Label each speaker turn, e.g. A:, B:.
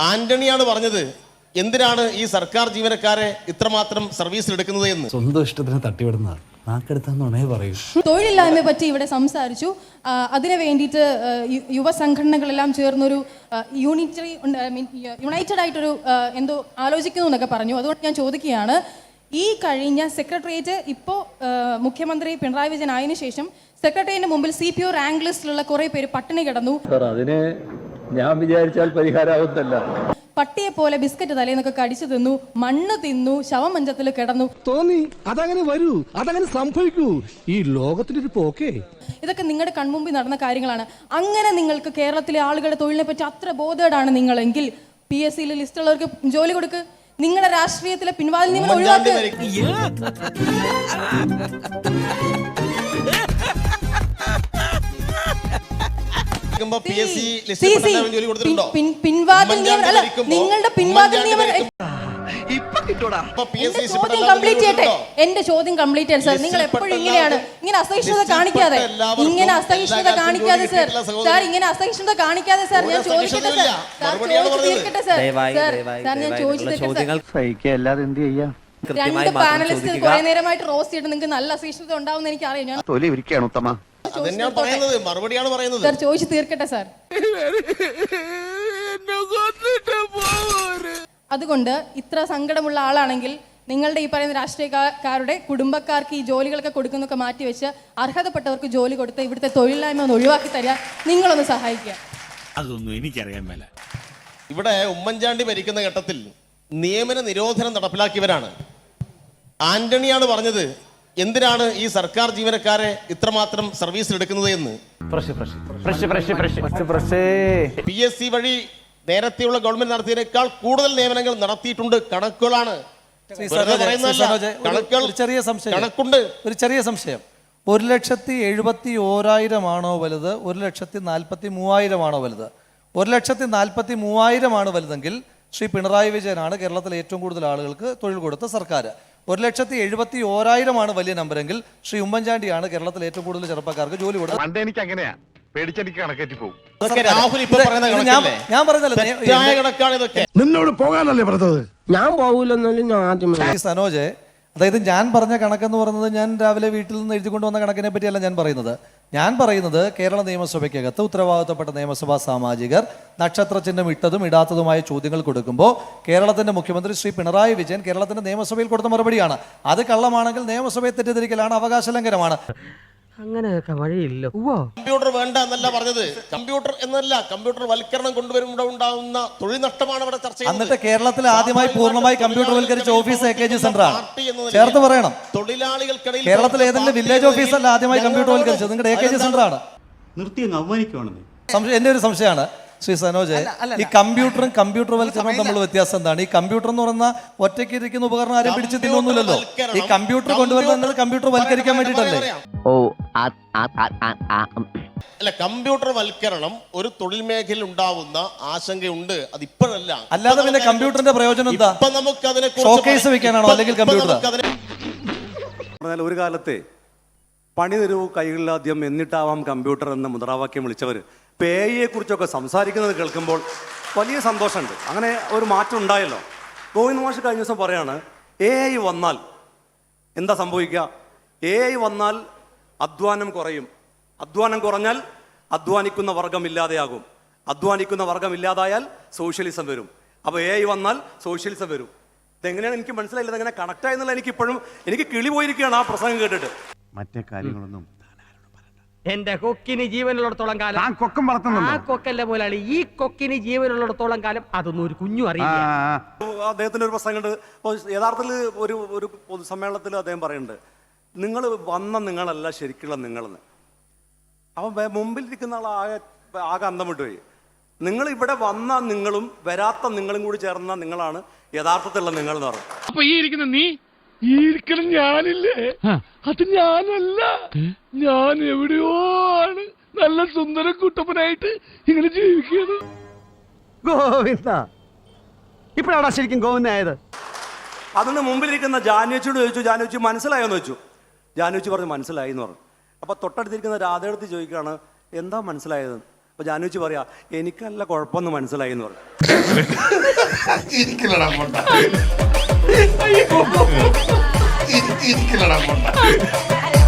A: ആന്റണിയാണ് പറഞ്ഞത് എന്തിനാണ് ഈ സർക്കാർ ജീവനക്കാരെ ഇത്രമാത്രം സർവീസിൽ എടുക്കുന്നത് എന്ന്.
B: സ്വന്തം ഇഷ്ടത്തിന് തട്ടിവിടുന്നതാണ്. നാക്കെടുത്താന്നുണേ പറയൂ.
C: തൊഴിലില്ലായ്മയെ പറ്റി ഇവിടെ സംസാരിച്ചു. അതിനു വേണ്ടിയിട്ട് യുവസംഘടനകളെല്ലാം ചേർന്നൊരു യുണൈറ്റഡ് ആയിട്ടൊരു എന്തോ ആലോചിക്കുന്നു എന്നൊക്കെ പറഞ്ഞു. അതുകൊണ്ട് ഞാൻ ചോദിക്കുകയാണ്, ഈ കഴിഞ്ഞ സെക്രട്ടേറിയറ്റ് ഇപ്പോൾ മുഖ്യമന്ത്രി പിണറായി വിജയൻ ആയതിനു ശേഷം സെക്രട്ടേറിയറ്റിന് മുമ്പിൽ CPO റാങ്ക് ലിസ്റ്റിലുള്ള കുറെ പേര് പട്ടിണി കിടന്നു.
D: അതിനെ ഞാൻ വിചാരിച്ചാൽ പരിഹാരമാവുന്നല്ല.
C: പട്ടിയെ പോലെ ബിസ്ക്കറ്റ് തലേന്നൊക്കെ കടിച്ചു തിന്നു, മണ്ണ് തിന്നു, ശവമഞ്ചത്തിൽ കിടന്നു.
E: തോന്നി അതങ്ങനെ വരൂ, അതങ്ങനെ സംഭവിക്കൂ. ഈ ലോകത്തിന്റെ ഒരു പോക്കേ.
C: ഇതൊക്കെ നിങ്ങളുടെ കൺമുമ്പിൽ നടന്ന കാര്യങ്ങളാണ്. അങ്ങനെ നിങ്ങൾക്ക് കേരളത്തിലെ ആളുകളുടെ തൊഴിലിനെ പറ്റി അത്ര ബോധേഡാണ് നിങ്ങളെങ്കിൽ PSC ലിസ്റ്റുള്ളവർക്ക് ജോലി കൊടുക്ക്. നിങ്ങളുടെ രാഷ്ട്രീയത്തിലെ പിൻവാതിൽ നിയമനം ഒഴിവാക്ക്. പിൻവാതിൽ നിയമനം അല്ല, നിങ്ങളുടെ പിൻവാതിൽ നിയമനം. എന്റെ ചോദ്യം കംപ്ലീറ്റ് ചെയ്യട്ടെ സാർ. നിങ്ങൾ എപ്പോഴും ഇങ്ങനെ അസഹിഷ്ണുത കാണിക്കാതെ സർ, ഇങ്ങനെ അസഹിഷ്ണുത കാണിക്കാതെ സാർ. ഞാൻ ചോദിക്കട്ടെ സാർ, തീർക്കട്ടെ സാർ. ഞാൻ ചോദിച്ചു. രണ്ട് പാനലിസ്റ്റ് കുറെ നേരമായിട്ട് റോസ്റ്റ് ചെയ്തിട്ട് നിങ്ങൾക്ക് നല്ല അസഹിഷ്ണുത ഉണ്ടാവും എനിക്ക് അറിയാം. സാർ ചോദിച്ചു തീർക്കട്ടെ സാർ. അതുകൊണ്ട് ഇത്ര സങ്കടമുള്ള ആളാണെങ്കിൽ നിങ്ങളുടെ ഈ പറയുന്ന രാഷ്ട്രീയക്കാരുടെ കുടുംബക്കാർക്ക് ഈ ജോലികളൊക്കെ കൊടുക്കുന്നൊക്കെ മാറ്റിവെച്ച് അർഹതപ്പെട്ടവർക്ക് ജോലി കൊടുത്ത് ഇവിടുത്തെ തൊഴിലില്ലായ്മ ഒന്ന് ഒഴിവാക്കി തരാൻ നിങ്ങളൊന്ന് സഹായിക്കുക.
F: അതൊന്നും എനിക്കറിയാൻ മേല.
A: ഇവിടെ ഉമ്മൻചാണ്ടി ഭരിക്കുന്ന ഘട്ടത്തിൽ നിയമന നിരോധനം നടപ്പിലാക്കിയവരാണ്. ആന്റണിയാണ് പറഞ്ഞത് എന്തിനാണ് ഈ സർക്കാർ ജീവനക്കാരെ ഇത്രമാത്രം സർവീസിൽ എടുക്കുന്നത് എന്ന്. PSC വഴി നേരത്തെയുള്ള ഗവൺമെന്റ് നടത്തിയതിനേക്കാൾ കൂടുതൽ നിയമനങ്ങൾ നടത്തിയിട്ടുണ്ട്. കണക്കുകളാണ്. കണക്കുണ്ട്.
B: ഒരു ചെറിയ സംശയം. 1,71,000 വലുത്, 1,43,000 വലുത്? 1,43,000 വലുതെങ്കിൽ ശ്രീ പിണറായി വിജയനാണ് കേരളത്തിലെ ഏറ്റവും കൂടുതൽ ആളുകൾക്ക് തൊഴിൽ കൊടുത്ത സർക്കാർ. 1,71,000 വലിയ നമ്പരെങ്കിൽ ശ്രീ ഉമ്മൻചാണ്ടിയാണ് കേരളത്തിലെ ഏറ്റവും കൂടുതൽ ചെറുപ്പക്കാർക്ക് ജോലി കൊടുത്തത്.
G: എനിക്ക് അങ്ങനെയാ പേടിച്ചെനിക്ക് കണക്കേറ്റി പോകും.
B: ഞാൻ പറഞ്ഞല്ലോ
E: നിന്നോട് പോകാനല്ലേ പറഞ്ഞത്. ഞാൻ പോകൂലെന്നാലും
B: സനോജ്, അതായത് ഞാൻ പറഞ്ഞ കണക്കെന്ന് പറയുന്നത് ഞാൻ രാവിലെ വീട്ടിൽ നിന്ന് എഴുതിക്കൊണ്ട് വന്ന കണക്കിനെ പറ്റിയല്ല ഞാൻ പറയുന്നത്. ഞാൻ പറയുന്നത് കേരള നിയമസഭയ്ക്കകത്ത് ഉത്തരവാദിത്തപ്പെട്ട നിയമസഭാ സാമാജികർ നക്ഷത്ര ചിഹ്നം ഇട്ടതും ഇടാത്തതുമായ ചോദ്യങ്ങൾ കൊടുക്കുമ്പോൾ കേരളത്തിന്റെ മുഖ്യമന്ത്രി ശ്രീ പിണറായി വിജയൻ കേരളത്തിന്റെ നിയമസഭയിൽ കൊടുത്ത മറുപടിയാണ്. അത് കള്ളമാണെങ്കിൽ നിയമസഭയെ തെറ്റിദ്ധരിക്കലാണ്, അവകാശ ലംഘനമാണ്.
H: അങ്ങനെയൊക്കെ വഴിയില്ല.
A: കമ്പ്യൂട്ടർ വേണ്ട എന്നല്ല പറഞ്ഞത്. കമ്പ്യൂട്ടർ എന്നല്ല, കമ്പ്യൂട്ടർ വൽക്കരണം കൊണ്ടുവരുമ്പോൾ ഉണ്ടാവുന്ന തൊഴിൽ നഷ്ടമാണ് ഇവിടെ ചർച്ച ചെയ്യുന്നത്.
B: എന്നിട്ട് കേരളത്തിൽ ആദ്യമായി പൂർണ്ണമായി കമ്പ്യൂട്ടർ വൽക്കരിച്ച ഓഫീസ് AKG സെന്ററാണ്. ചേർത്ത് പറയണം.
A: തൊഴിലാളികൾക്കിടയിൽ
B: കേരളത്തിൽ ഏതെങ്കിലും വില്ലേജ് ഓഫീസല്ല ആദ്യമായി കമ്പ്യൂട്ടർ വൽക്കരിച്ചത്, നിങ്ങളുടെ AKG സെന്ററാണ്.
F: നിർത്തി അങ്ങ് അവമാനിക്കുവാണെന്ന്
B: എന്റെ ഒരു സംശയമാണ് ശ്രീ സനോജ്, ഈ കമ്പ്യൂട്ടറും കമ്പ്യൂട്ടർ വൽക്കരണവും തമ്മിൽ വ്യത്യാസം എന്താണ്? ഈ കമ്പ്യൂട്ടർ എന്ന് പറയുന്ന ഒറ്റയ്ക്ക് ഇരിക്കുന്ന ഉപകരണം ആരും പിടിച്ചു തിന്നൊന്നുമില്ലല്ലോ. ഈ കമ്പ്യൂട്ടർ കൊണ്ടുവരുന്നത് കമ്പ്യൂട്ടർ വൽക്കരിക്കാൻ വേണ്ടിയിട്ടല്ലേ?
A: അല്ല, കമ്പ്യൂട്ടർ വൽക്കരണം ഒരു തൊഴിൽ മേഖലയിൽ ഉണ്ടാവുന്ന ആശങ്കയുണ്ട്. അത് ഇപ്പോഴല്ല.
B: അല്ലാതെ പിന്നെ കമ്പ്യൂട്ടറിന്റെ പ്രയോജനം എന്താ? ഷോക്കേസ് വെക്കാനാണോ അല്ലെങ്കിൽ കമ്പ്യൂട്ടർ?
I: ഒരു കാലത്തെ പണി തരൂ കൈകളിലാദ്യം എന്നിട്ടാവാം കമ്പ്യൂട്ടർ എന്ന മുദ്രാവാക്യം വിളിച്ചവർ AI കുറിച്ചൊക്കെ സംസാരിക്കുന്നത് കേൾക്കുമ്പോൾ വലിയ സന്തോഷമുണ്ട്. അങ്ങനെ ഒരു മാറ്റം ഉണ്ടായല്ലോ. ഗോവിന്ദ് മാഷ് കഴിഞ്ഞ ദിവസം പറയാണ് AI വന്നാൽ എന്താ സംഭവിക്കുക? AI വന്നാൽ അധ്വാനം കുറയും. അധ്വാനം കുറഞ്ഞാൽ അധ്വാനിക്കുന്ന വർഗം ഇല്ലാതെയാകും. അധ്വാനിക്കുന്ന വർഗം ഇല്ലാതായാൽ സോഷ്യലിസം വരും. അപ്പോൾ AI വന്നാൽ സോഷ്യലിസം വരും. ഇതെങ്ങനെയാണ് എനിക്ക് മനസ്സിലായില്ല. ഇതെങ്ങനെ കണക്റ്റായെന്നുള്ള എനിക്ക് കിളി പോയിരിക്കുകയാണ് ആ പ്രസംഗം കേട്ടിട്ട്.
F: മറ്റേ കാര്യങ്ങളൊന്നും
H: എന്റെ കൊക്കിന് ജീവനുള്ളിടത്തോളം കാലം
G: കൊക്കം വളർത്തുന്നുണ്ട്.
H: ആ കൊക്കല്ല പോലാണ് ഈ കൊക്കിന് ജീവനുള്ളിടത്തോളം കാലം അതൊന്നും ഒരു കുഞ്ഞു അറിയില്ല.
I: അദ്ദേഹത്തിന് ഒരു പ്രസംഗമുണ്ട്. യഥാർത്ഥത്തിൽ ഒരു പൊതുസമ്മേളനത്തിൽ അദ്ദേഹം പറയുന്നുണ്ട്, നിങ്ങൾ വന്ന നിങ്ങളല്ല ശരിക്കുള്ള നിങ്ങളെന്ന്. അപ്പം മുമ്പിലിരിക്കുന്ന ആൾ ആകെ അന്തം വിട്ടുപോയി. നിങ്ങൾ ഇവിടെ വന്ന നിങ്ങളും വരാത്ത നിങ്ങളും കൂടി ചേർന്ന നിങ്ങളാണ് യഥാർത്ഥത്തിലുള്ള നിങ്ങൾ എന്ന് പറഞ്ഞു.
E: അപ്പൊ ഈ ഇരിക്കുന്ന നീ, ഈ ഇരിക്കണം ഞാനില്ലേ, അത് ഞാനല്ല. ഞാൻ എവിടെയോ ആണ് നല്ല സുന്ദര കുട്ടപ്പനായിട്ട് ഇങ്ങനെ ജീവിക്കുന്നത്.
H: ഗോവിന്ദ, ഇപ്പോഴാണ് ശരിക്കും ഗോവിന്ദായത്.
I: അതിന് മുമ്പിലിരിക്കുന്ന ജാനുവച്ചിയോട് ചോദിച്ചു, ജാനുവച്ചി മനസ്സിലായോന്ന് ചോദിച്ചു. ജാനുവച്ചി പറഞ്ഞു മനസ്സിലായി എന്ന് പറഞ്ഞു. അപ്പോൾ തൊട്ടടുത്തിരിക്കുന്ന രാധയെടുത്ത് ചോദിക്കുകയാണ് എന്താ മനസ്സിലായത്? അപ്പോൾ ജാനുവച്ചി പറയാ എനിക്കല്ല കുഴപ്പമൊന്നും മനസ്സിലായി എന്ന് പറഞ്ഞു.
E: ഇരിക്കലടാ